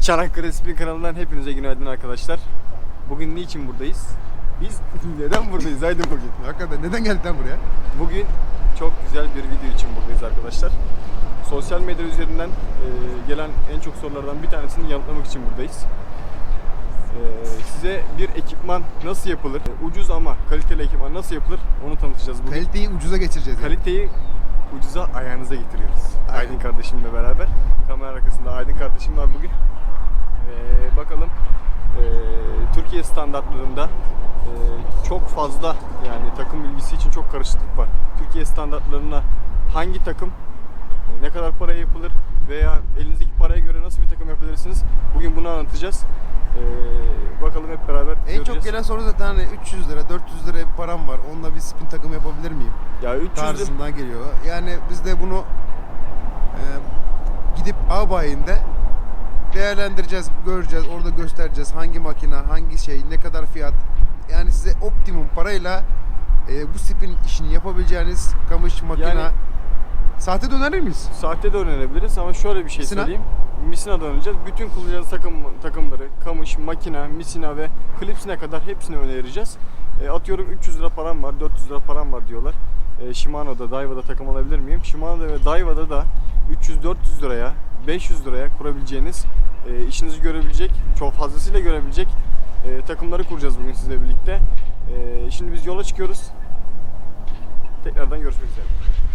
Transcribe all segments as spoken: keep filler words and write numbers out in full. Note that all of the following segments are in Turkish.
Çanakkale Spin kanalından hepinize günaydın arkadaşlar. Bugün niçin buradayız? Biz neden buradayız? Haydi bugün. Hakikaten neden geldik lan buraya? Bugün çok güzel bir video için buradayız arkadaşlar. Sosyal medya üzerinden e, gelen en çok sorulardan bir tanesini yanıtlamak için buradayız. E, size bir ekipman nasıl yapılır? E, ucuz ama kaliteli ekipman nasıl yapılır? Onu tanıtacağız bugün. Kaliteyi ucuza geçireceğiz. Yani. Kaliteyi ucuza ayağınıza getiriyoruz. Aynen. Aydın kardeşimle beraber. Kamera arkasında Aydın kardeşim var bugün. Ee, bakalım ee, Türkiye standartlarında ee, çok fazla, yani takım bilgisi için çok karışıklık var. Türkiye standartlarına hangi takım ee, ne kadar paraya yapılır veya elinizdeki paraya göre nasıl bir takım yapabilirsiniz? Bugün bunu anlatacağız. Ee, bakalım hep beraber En göreceğiz. çok gelen soru zaten hani üç yüz lira, dört yüz lira param var. Onunla bir spin takım yapabilir miyim? Ya üç yüz tarzından geliyor. Yani biz de bunu e, gidip A bayinde değerlendireceğiz, göreceğiz, orada göstereceğiz hangi makine, hangi şey, ne kadar fiyat. Yani size optimum parayla e, bu spin işini yapabileceğiniz kamış, makine. Yani, sahte döner miyiz? sahte de öğrenebiliriz ama şöyle bir şey Misina? söyleyeyim. Misina döneceğiz. Bütün kullanacağınız takım takımları, kamış, makina, misina ve klipsine kadar hepsini önereceğiz. E, atıyorum üç yüz lira param var, dört yüz lira param var diyorlar. E, Shimano'da, Daewa'da takım alabilir miyim? Shimano'da ve Daewa'da da üç yüz dört yüz liraya, beş yüz liraya kurabileceğiniz, e, işinizi görebilecek, çok fazlasıyla görebilecek e, takımları kuracağız bugün sizle birlikte. E, şimdi biz yola çıkıyoruz. Tekrardan görüşmek üzere.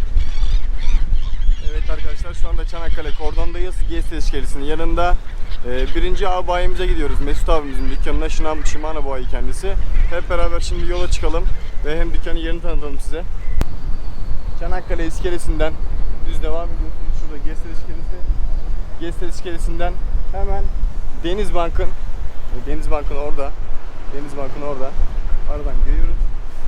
Evet arkadaşlar, şu anda Çanakkale Kordon'dayız. G S iskelesinin yanında. Ee, birinci A bayimize gidiyoruz. Mesut abimizin dükkanına. Şinam, Shimano bayi kendisi. Hep beraber şimdi yola çıkalım ve hem dükkanın yerini tanıtalım size. Çanakkale iskelesinden düz devam ediyorsunuz. Şurada G S iskelesi. G S iskelesinden hemen Denizbank'ın Denizbank'ın orada. Denizbank'ın orada. Aradan giriyoruz.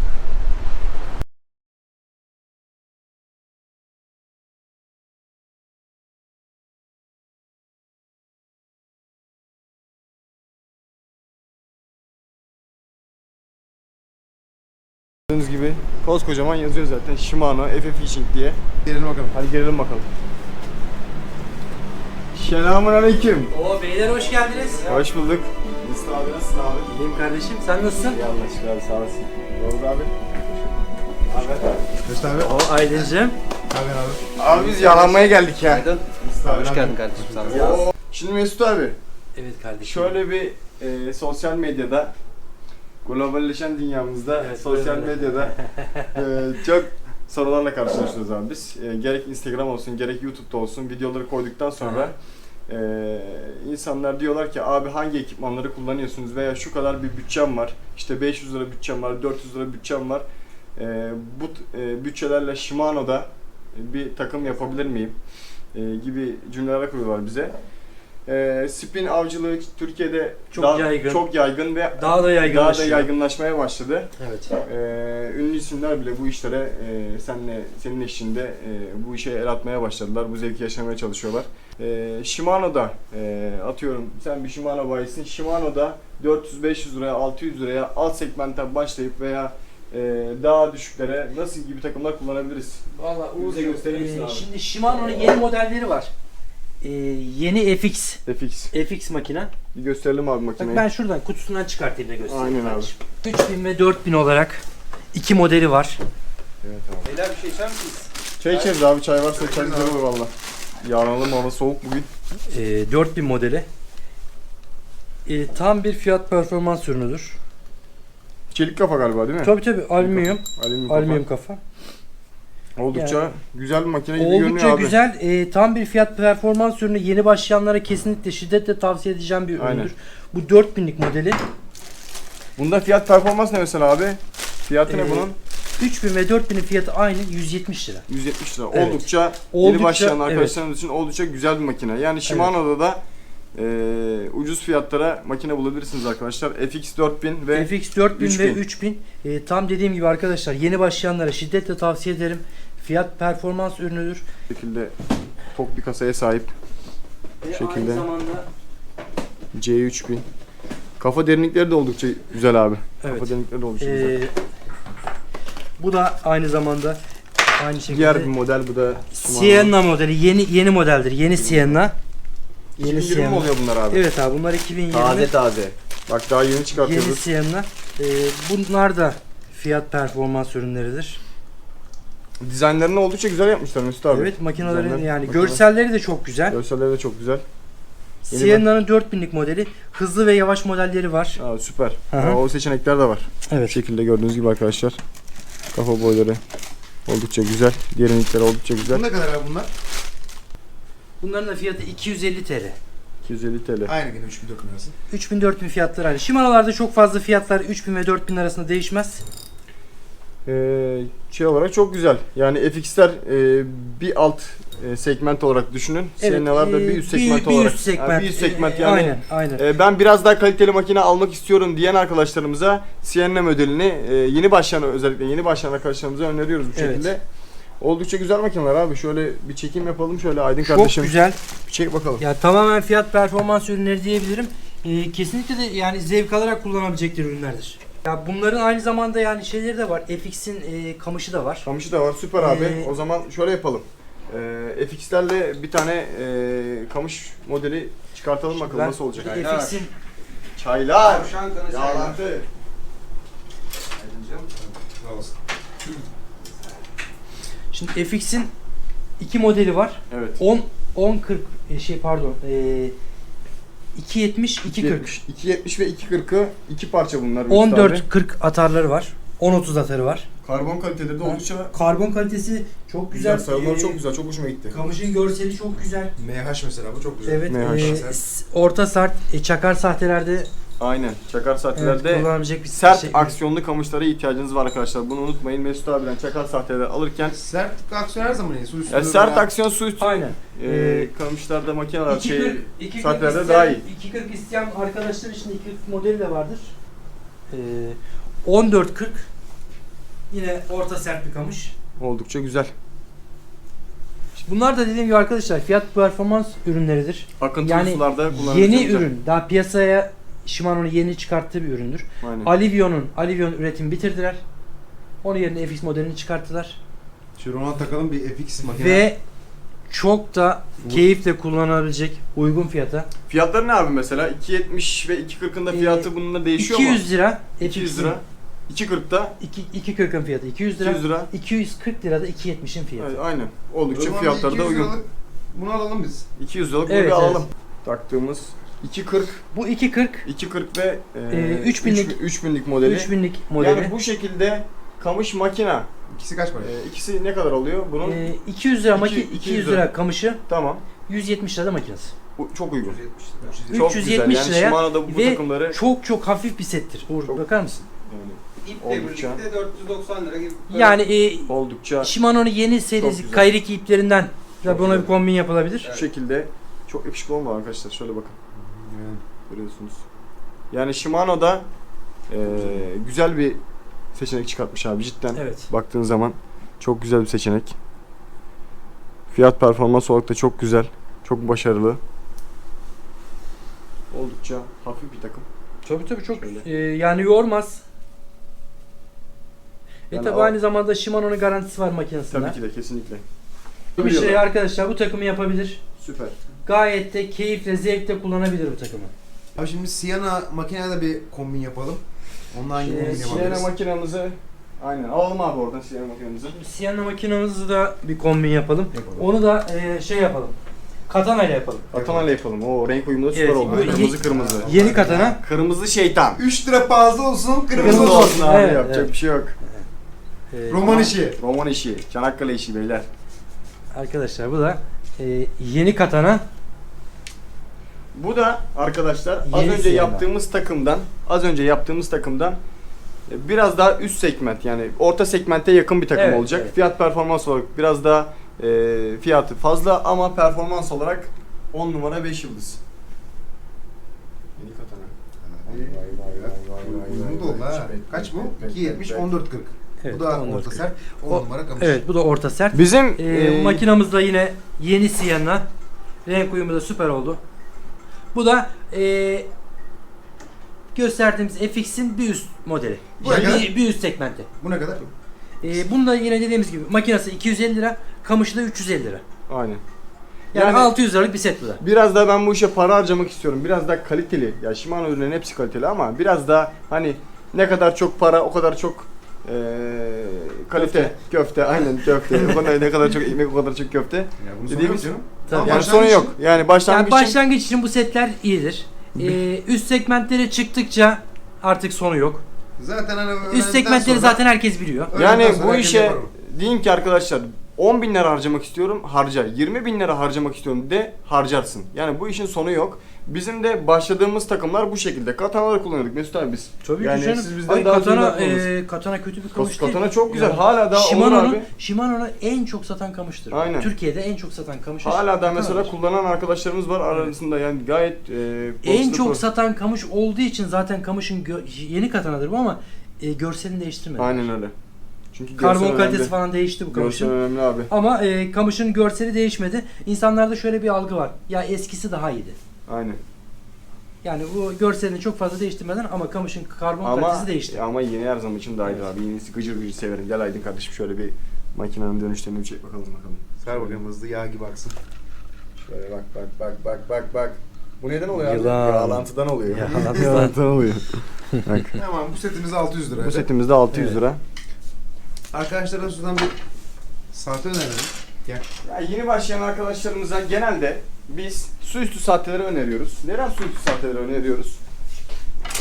Gördüğünüz gibi koskocaman yazıyor zaten Shimano F F Fishing diye. Gelelim bakalım. Hadi gelelim bakalım. Selamünaleyküm. Oo beyler hoş geldiniz. Hoş bulduk. Mesut abi nasılsın abi? İyiyim kardeşim. Sen nasılsın? İyi anlaştık abi, sağ olasın. Doğru abi. Abi. Mesut abi. Oo Aydıncığım. Abi abi. Abi biz yalanmaya geldik ya. Aydın. abi, Hoş abi. geldin kardeşim. Sağ ol. Oo. Şimdi Mesut abi, Evet kardeşim. şöyle bir e, sosyal medyada, globalleşen dünyamızda, Evet, sosyal böyle. medyada e, çok sorularla karşılaşıyoruz abi biz. E, gerek Instagram olsun, gerek YouTube'da olsun videoları koyduktan sonra e, insanlar diyorlar ki abi hangi ekipmanları kullanıyorsunuz veya şu kadar bir bütçem var, işte beş yüz lira bütçem var, dört yüz lira bütçem var. E, bu e, bütçelerle Shimano'da bir takım yapabilir miyim? E, gibi cümleler kuruyorlar bize. E, spin avcılığı Türkiye'de Çok daha, yaygın. çok yaygın ve Daha da daha da yaygınlaşıyor. yaygınlaşmaya başladı. Evet. Ee, ünlü isimler bile bu işlere e, senle senin eşliğinde e, bu işe el atmaya başladılar. Bu zevki yaşamaya çalışıyorlar. E, Shimano'da e, atıyorum sen bir Shimano bayisin. Shimano'da dört yüz beş yüz liraya, altı yüz liraya alt segmentten başlayıp veya e, daha düşüklere nasıl gibi takımlar kullanabiliriz? Valla Bize gösterir misin abi? Şimdi Shimano'nun yeni modelleri var. Ee, yeni F X. F X. F X makine. Bir gösterelim abi Bak makineyi. ben şuradan kutusundan çıkartayım da göstereyim. Aynen abi. kardeşim. üç bin ve dört bin olarak iki modeli var. Evet abi. Beyler bir şey içer misiniz? Çay içeriz abi, çay varsa çay güzel olur valla. Yarınalım, hava soğuk bugün. Ee, dört bin modeli. Ee, tam bir fiyat performans ürünüdür. Çelik kafa galiba değil mi? Tabii tabii alüminyum. Alüminyum kafa. Alüminyum kafa. Oldukça Yani- güzel bir makine gibi görünüyor Oldukça abi. güzel. E, tam bir fiyat performans ürünü. Yeni başlayanlara kesinlikle şiddetle tavsiye edeceğim bir üründür. Aynen. Bu dört binlik modeli. Bunda fiyat performans ne mesela abi? Fiyatı ne Ee, bunun? üç bin ve dört binin fiyatı aynı yüz yetmiş lira. yüz yetmiş lira. Evet. Oldukça, Oldukça, yeni başlayan evet. arkadaşlarımız için oldukça güzel bir makine. Yani Shimano'da da e, ucuz fiyatlara makine bulabilirsiniz arkadaşlar. F X dört bin ve F X dört bin üç ve bin. üç bin. E, tam dediğim gibi arkadaşlar yeni başlayanlara şiddetle tavsiye ederim. Fiyat performans ürünüdür. bu şekilde tok bir kasaya sahip. Ve şekilde. aynı zamanda C üç bin. Kafa derinlikleri de oldukça güzel abi. Evet. Kafa derinlikleri de oldukça güzel. e, bu da aynı zamanda aynı şekilde Diğer bir model bu da Shimano. Sienna modeli yeni yeni modeldir. Yeni Sienna. iki bin yirmi mi Sienna. oluyor bunlar abi? Evet abi bunlar iki bin yirmi. Taze taze. Bak daha yeni Yeni çıkartıyoruz. Sienna. Ee, bunlar da fiyat performans ürünleridir. Dizaynlarını oldukça güzel yapmışlar Mesut abi. Evet makinelerin Dizaynlar, yani makine. görselleri de çok güzel. Görselleri de çok güzel. Yeni Sienna'nın dört binlik modeli. Hızlı ve yavaş modelleri var. Aa, süper. Hı hı. Aa, o seçenekler de var. Bu Evet. şekilde gördüğünüz gibi arkadaşlar. Kafa boyları oldukça güzel. Derinlikleri oldukça güzel. Bu ne kadar abi bunlar? Bunların da fiyatı iki yüz elli TL. iki yüz elli TL. Aynı gene üç bin dört bin arası. üç bin dört bin fiyatları aynı. Shimano'larda çok fazla fiyatlar üç bin ve dört bin arasında değişmez. Ee, şey olarak çok güzel. Yani F X'ler e, bir alt e, segment olarak düşünün. Sienna'lar da e, bir üst segment olarak. Bir üst segment. Yani bir üst segment E, yani. Aynen, aynen. E, ben biraz daha kaliteli makine almak istiyorum diyen arkadaşlarımıza Sienna modelini e, yeni başlayan özellikle yeni başlayan arkadaşlarımıza öneriyoruz bu Evet. şekilde. Oldukça güzel makineler abi. Şöyle bir çekim yapalım şöyle Aydın Çok kardeşim. güzel. Bir çek bakalım. Ya tamamen fiyat performans ürünleri diyebilirim. Ee, kesinlikle de yani zevk alarak kullanabilecekleri ürünlerdir. Ya bunların aynı zamanda yani şeyleri de var. F X'in e, kamışı da var. Kamışı da var. Süper abi. Ee, O zaman şöyle yapalım. E, F X'lerle bir tane e, kamış modeli çıkartalım bakalım Ben nasıl olacak. bir de F X'in Çaylar. Tavşan kanı Yağlantı. Sağ olasın. şimdi F X'in iki modeli var. Evet. on on kırk e, şey pardon. E, iki yetmiş iki kırk. iki yetmiş ve iki kırkı iki parça bunlar. Mesut on abi. dört kırk atarları var. on otuz atarı var. Karbon kaliteleri de oldukça Karbon kalitesi çok güzel. güzel. Sarıları Ee, çok güzel. Çok hoşuma gitti. Kamışın görseli çok güzel. M H mesela bu çok güzel. Evet. Ne hoş. e, s- orta sert e, çakar sahtelerde Aynen. Çakar evet, sahtelerde kullanabilecek bir sert şey. aksiyonlu kamışlara ihtiyacınız var arkadaşlar. Bunu unutmayın. Mesut abiden çakar sahteleri alırken Sert aksiyon her zaman iyi. Su üstü. ya sert aksiyon su üstü Aynen. e, Ee, kamışlarda makineler iki şey kırk iki kırk saatlerde isteyen- daha iyi. iki kırk isteyen arkadaşlar için iki kırk modeli de vardır. Ee, on dört kırk yine orta sert bir kamış. Oldukça güzel. Bunlar da dediğim gibi arkadaşlar fiyat performans ürünleridir. Akıntılı Yani sularda kullanılacak. yeni ürün. Daha piyasaya Shimano'nun yeni çıkarttığı bir üründür. Aynen. Alivion'un Alivion üretimi bitirdiler. Onun yerine F X modelini çıkarttılar. Şu ona takalım bir F X makine. Ve çok da keyifle kullanabilecek uygun fiyata. Fiyatları ne abi mesela? iki yetmiş ve iki kırkın da fiyatı Ee, bununla değişiyor iki mu? yüz lira. iki yüz lira. iki kırkta iki kırkın fiyatı iki yüz lira. iki yüz lira. iki yüz kırk lira da iki yetmişin fiyatı. Evet, aynen. Oldukça O zaman fiyatları bir da iki yüz uygun. liralık Bunu alalım biz. iki yüz liralık bunu Evet, bir alalım. evet. Taktığımız iki kırk, Bu iki kırk iki kırk ve e, Ee, üç binlik üç binlik modeli. üç binlik modeli. Yani bu şekilde kamış makina İkisi kaç para? e, ikisi ne kadar oluyor bunun? Ee, iki yüz lira İki- maki iki yüz iki yüz lira. lira kamışı, Tamam. yüz yetmiş lira da makinesi. Bu çok uygun. üç yüz yetmiş lira. Çok üç yüz güzel. yetmiş Yani liraya Shimano'da bu ve takımları çok çok hafif bir settir. Uğur Çok- bakar mısın? yani İple Oldukça. birlikte dört yüz doksan lira gibi. Yani e, oldukça Shimano'nun yeni Çok serisi güzel. Kairiki iplerinden Çok da buna güzel. bir kombin yapılabilir. şu şekilde çok yakışıklı olmalı arkadaşlar. Şöyle bakın. Yani. Görüyorsunuz. Yani Shimano'da e, güzel bir seçenek çıkartmış abi cidden. Evet. Baktığın zaman çok güzel bir seçenek. Fiyat performans olarak da çok güzel. Çok başarılı. Oldukça hafif bir takım. Tabii tabii çok Şöyle. e, yani yormaz. Ve Yani tabii o- aynı zamanda Shimano'nun garantisi var makinesinde. Tabii ki de kesinlikle. Bir şey arkadaşlar bu takımı yapabilir. Süper. Gayet de keyifle, zevkle kullanabilir bu takımı. Abi şimdi Sienna makinede bir kombin yapalım. Ondan hangi Şey, kombin Sienna yapabiliriz? makinamızı aynen alalım abi oradan Sienna makinamızı. Sienna makinamızı da bir kombin yapalım. Yapalım. Onu da e, şey yapalım. Katana ile yapalım. Katana ile yapalım. O renk uyumu da süper Evet, oldu. bu- Kırmızı ye- kırmızı. Yeni katana. Kırmızı şeytan. üç lira fazla olsun, kırmızı, Kırmızı olsun. olsun abi Evet, yapacak evet. bir şey yok. E, Roman işi. Roman işi, Çanakkale işi beyler. Arkadaşlar bu da e, yeni katana. Bu da arkadaşlar az Yeni önce Sienna. yaptığımız takımdan, az önce yaptığımız takımdan e, biraz daha üst segment yani orta segmente yakın bir takım Evet, olacak. evet. Fiyat performans olarak biraz daha e, fiyatı fazla ama performans olarak on numara beş yıldız. Yeni katana. Uygun da oldu ha. Kaç bu? iki yetmiş, on dört kırk. Evet, Bu da on dört orta kırk. sert. on O- numara kamış. Evet bu da orta sert. Bizim E, e, makinamız da yine yeni Sienna. Renk uyumu da süper oldu. Bu da e, gösterdiğimiz F X'in bir üst modeli. Bu ne kadar? bir, bir üst segmenti. Bu ne kadar? E, bunda yine dediğimiz gibi makinesi iki yüz elli lira, kamışı da üç yüz elli lira. aynen. Yani, Yani- altı yüz liralık bir set bu da. Biraz daha ben bu işe para harcamak istiyorum. Biraz daha kaliteli. Ya Shimano ürünlerin hepsi kaliteli ama biraz daha hani ne kadar çok para o kadar çok eee, kalite köfte, köfte aynen köfte. O kadar ne kadar çok ekmek o kadar çok köfte. Ya bunun sonu Dediğimiz- yok canım. Tabii. Ama Yani başlangıç sonu yok. için- Yani başlangıç Yani için başlangıç için bu setler iyidir. Ee, üst segmentlere çıktıkça artık sonu yok. Zaten hani Üst öğrendikten segmentleri sonra- zaten herkes biliyor. yani öğrendikten sonra bu herkes işe yapar o. deyin ki arkadaşlar on bin lira harcamak istiyorum harca. yirmi bin lira harcamak istiyorum de harcarsın. Yani bu işin sonu yok. Bizim de başladığımız takımlar bu şekilde. Katanaları kullanıyorduk Mesut abi biz. Tabii yani ki canım. siz bizden Ay, daha katana, iyi bakmalısınız. e, katana kötü bir kamış değil. Katana çok güzel. Ya. Hala daha olur Shimano'nun, abi. Shimano'nun en çok satan kamıştır. Aynen. Türkiye'de en çok satan kamış. Hala da mesela katanadır. kullanan arkadaşlarımız var arasında yani gayet e, En basitli çok pro- satan kamış olduğu için zaten kamışın gö- yeni katanadır bu ama e, görselini değiştirmedi. Aynen öyle. Çünkü Karbon görsel kalitesi önemli. falan değişti bu Görsel kamışın. önemli abi. Ama e, kamışın görseli değişmedi. İnsanlarda şöyle bir algı var. Ya eskisi daha iyiydi. Aynen. Yani bu görselini çok fazla değiştirmeden ama kamışın karbon Ama kalitesi değişti. ama yeni her zaman için daha iyi Evet. abi. Yenisi gıcır gıcır severim. Gel Aydın kardeşim şöyle bir makinenin dönüşlerini bir çek bakalım bakalım. Ver bakayım hızlı yağ gibi aksın. Şöyle bak bak bak bak bak bak. Bu neden oluyor abi? Yılan. Yağlantıdan oluyor. Yağlantıdan. Yağlantıdan oluyor. Bak. Tamam bu setimiz altı yüz lira. Bu setimizde altı yüz Evet. lira. Arkadaşlara şuradan bir saate önerelim. Gel. Ya yeni başlayan arkadaşlarımıza genelde biz su üstü saatleri öneriyoruz. Neden su üstü saatleri öneriyoruz? Ee,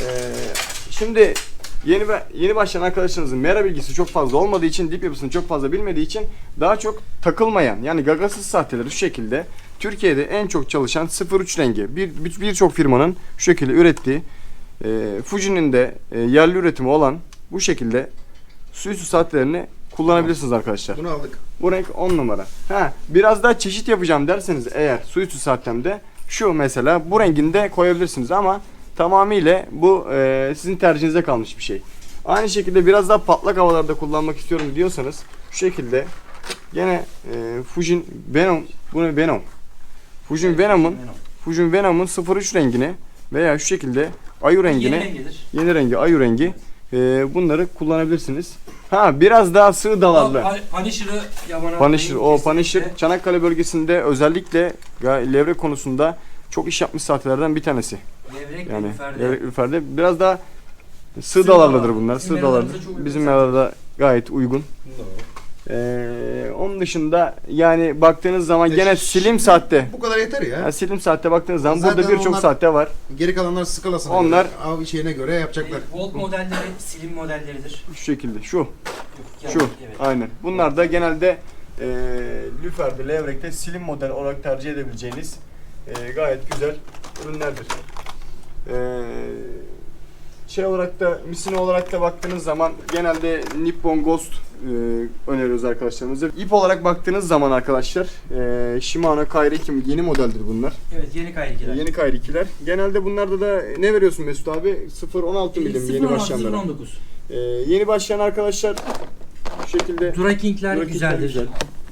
şimdi yeni yeni başlayan arkadaşlarımızın mera bilgisi çok fazla olmadığı için, dip yapısını çok fazla bilmediği için daha çok takılmayan yani gagasız saatleri şu şekilde Türkiye'de en çok çalışan sıfır üç rengi bir bir- birçok firmanın şu şekilde ürettiği e, Fuji'nin de e, yerli üretimi olan bu şekilde su üstü saatlerini kullanabilirsiniz arkadaşlar. Bunu aldık. Bu renk on numara. Ha, biraz daha çeşit yapacağım derseniz eğer su üstü saatemde şu mesela bu renginde koyabilirsiniz ama tamamıyla bu e, sizin tercihinize kalmış bir şey. Aynı şekilde biraz daha patlak havalarda kullanmak istiyorum diyorsanız şu şekilde gene e, Fujin Venom bu ne Venom? Fujin Venom'un Fujin Venom'un sıfır üç rengini veya şu şekilde ayu rengini Yeni rengidir. yeni rengi ayu rengi e, bunları kullanabilirsiniz. Ha biraz daha sığ dalarlı. Punisher'ı yabana Punisher, atmayın. o Punisher Kesinlikle. Çanakkale bölgesinde özellikle ga- levrek konusunda çok iş yapmış saatlerden bir tanesi. Levrek Yani ve üferde. levrek ürferde biraz daha sığ, Sığ dalarlıdır dalar. bunlar. Bizim Sığ dalardır. meralarımıza çok uygun Bizim zaten. meralarda gayet uygun. Ee, onun dışında yani baktığınız zaman gene Şimdi slim saatte. Bu kadar yeter ya. Yani slim saatte baktığınız zaman Zaten burada birçok onlar- saatte var. Geri kalanlar skalasına Onlar- göre, av şeyine göre yapacaklar. E, Volt modelleri slim modelleridir. Şu şekilde. Şu. Yok, yani, Şu. Evet. Aynen. Bunlar da genelde e, lüferde, levrekte slim model olarak tercih edebileceğiniz e, gayet güzel ürünlerdir. E, şey olarak da, misine olarak da baktığınız zaman genelde Nippon Ghost e, öneriyoruz arkadaşlarımıza. İp olarak baktığınız zaman arkadaşlar e, Shimano Kairi iki yeni modeldir bunlar. Evet, yeni kayrikiler. Yeni Kairi ikiler. Genelde bunlarda da ne veriyorsun Mesut abi? sıfır on altı milim yeni başlayanlara. on dokuz. E, yeni başlayan arkadaşlar bu şekilde Duraking'ler Duraking'ler güzeldir. güzel.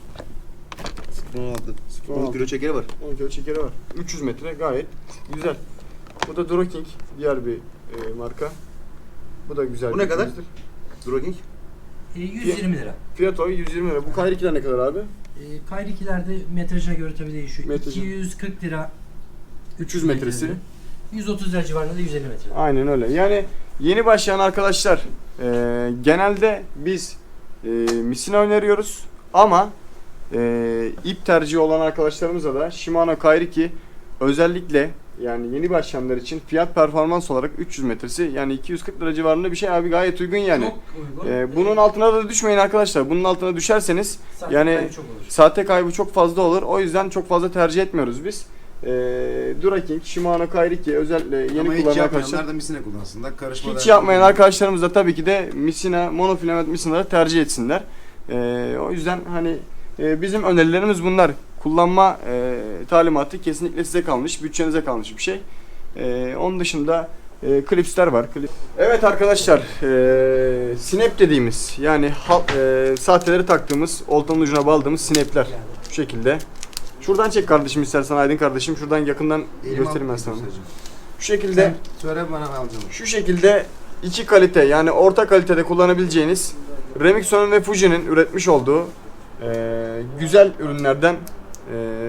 on altı. on on kilo çekeri var. on kilo çekeri var. üç yüz metre gayet güzel. Bu da Duroking diğer bir e, marka. Bu da güzel. Bu bir ne kadar? üründür. Drogging. E, yüz yirmi lira. Fiyat o yüz yirmi lira. Bu Kayrikiler ne kadar abi? E, kayrikilerde metrajına göre tabii değişiyor. Metrajı. iki yüz kırk lira. üç yüz metresi. yüz otuz lira civarında da yüz elli metre. Aynen öyle. Yani yeni başlayan arkadaşlar e, genelde biz e, misina öneriyoruz ama e, ip tercihi olan arkadaşlarımıza da Shimano Kairiki özellikle yani yeni başlayanlar için fiyat performans olarak üç yüz metresi yani iki yüz kırk lira civarında bir şey abi gayet uygun yani. Çok uygun. E, bunun altına da düşmeyin arkadaşlar. Bunun altına düşerseniz Saat yani kaybı çok olur. saate kaybı çok fazla olur. O yüzden çok fazla tercih etmiyoruz biz. E, Duraking, Shimano Kairiki özellikle yeni Ama hiç kullanan yapmayanlar arkadaşlar. da misine kullansınlar. Karışma Hiç yapmayan arkadaşlarımız da tabii ki de misina, monofilament misinaları tercih etsinler. Ee, o yüzden hani e, bizim önerilerimiz bunlar. Kullanma e, talimatı kesinlikle size kalmış, bütçenize kalmış bir şey. E, onun dışında e, klipsler var. Klip. Evet arkadaşlar, e, snap dediğimiz yani ha, e, saatleri taktığımız, oltanın ucuna bağladığımız snapler şu şekilde. Şuradan çek kardeşim istersen Aydın kardeşim. Şuradan yakından göstereyim ben sana. Şu şekilde. Sen söyle bana alacağım. Şu şekilde iki kalite yani orta kalitede kullanabileceğiniz Remixon'un ve Fuji'nin üretmiş olduğu e, güzel ürünlerden e,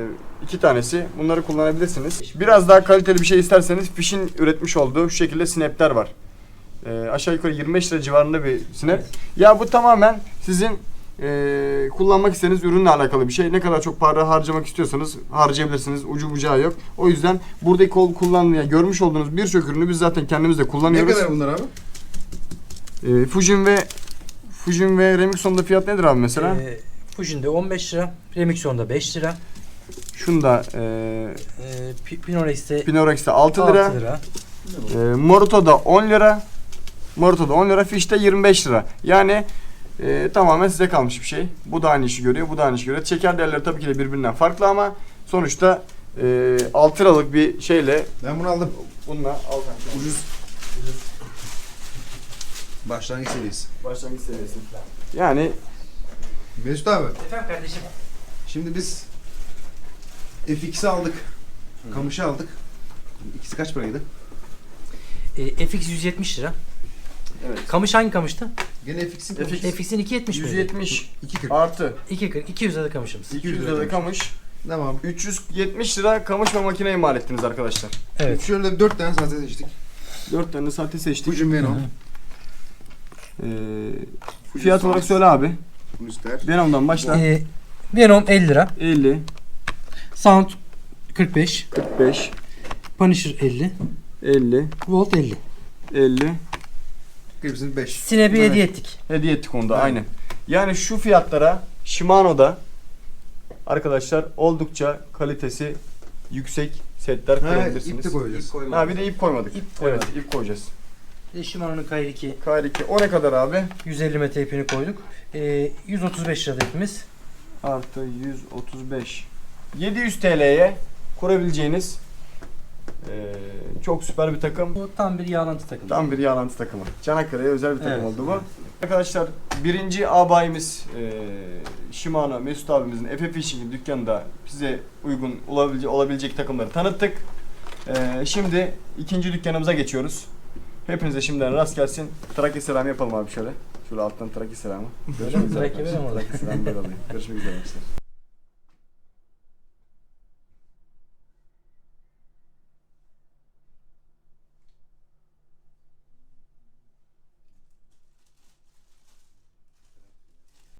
iki tanesi. Bunları kullanabilirsiniz. Biraz daha kaliteli bir şey isterseniz Fish'in üretmiş olduğu şu şekilde snapler var. Ee, aşağı yukarı yirmi beş lira civarında bir snap. Ya bu tamamen sizin e, kullanmak istediğiniz ürünle alakalı bir şey. Ne kadar çok para harcamak istiyorsanız harcayabilirsiniz. Ucu bucağı yok. O yüzden buradaki kol kullanmaya görmüş olduğunuz birçok ürünü biz zaten kendimiz de Ne kullanıyoruz. kadar bunlar abi? Ee, Fujin ve Fujin ve Remixon'da fiyat nedir abi mesela? Ee, Fujin'de on beş lira, Remixon'da beş lira, Şunda e, ee, Pi- Pinorex'te Pinorex'te altı lira. altı lira. E, Moruto'da on lira. Moruto'da on lira. Fish'te yirmi beş lira. Yani e, tamamen size kalmış bir şey. Bu da aynı işi görüyor. Bu da aynı işi görüyor. Çeker değerleri tabii ki de birbirinden farklı ama sonuçta e, altı liralık bir şeyle Ben bunu aldım. bununla al. Ucuz. Başlangıç seviyesi. Başlangıç seviyesi. Yani Mesut abi, Efendim kardeşim. şimdi biz F X'i aldık. Kamış'ı aldık. İkisi kaç paraydı? Ee, F X yüz yetmiş lira. evet. Kamış hangi kamıştı? Gene F X'in F X. kamışı. F X'in iki yetmiş mi? yüz yetmiş iki kırk. artı iki kırk, iki yüz lira kamışımız. iki yüz lira kamış. Tamam. üç yüz yetmiş lira kamış ve makineyi mal ettiniz arkadaşlar. Evet. Şöyle dört tane sahte seçtik. dört tane sahte seçtik. Fujin Venom. Ee, fiyat olarak söyle abi. Müster. Venom'dan başla. Ee, Venom elli lira, elli, Sound kırk beş, kırk beş, Punisher elli, elli, Volt elli. elli. Hepsini beş. Snap'i Evet. hediye ettik. Hediye ettik onu da Aynen. aynen. Yani şu fiyatlara Shimano'da arkadaşlar oldukça kalitesi yüksek setler Ha, kurabilirsiniz. ip de koyacağız. Ha bir de ip koymadık. İp Evet koymadık. ip koyacağız. Bir de Shimano'nun K R iki K R iki o ne kadar abi? yüz elli metre ipini koyduk. Ee, yüz otuz beş lira ipimiz. Artı yüz otuz beş. yedi yüz T L'ye kurabileceğiniz eee, çok süper bir takım. Bu tam bir yağlantı takımı. Tam bir yağlantı takımı. Çanakkale'ye özel bir takım Evet. oldu bu. Arkadaşlar birinci abayimiz eee Shimano Mesut abimizin Efe Fishing dükkanında size uygun olabilecek, olabilecek takımları tanıttık. Eee, şimdi ikinci dükkanımıza geçiyoruz. Hepinize şimdiden rast gelsin. Trakya selamı yapalım abi şöyle. Şöyle alttan Trakya selamı. Görüşmek üzere. Trakya arkadaşlar. verelim orada. Trakya selamı böyle alayım. Görüşmek üzere arkadaşlar.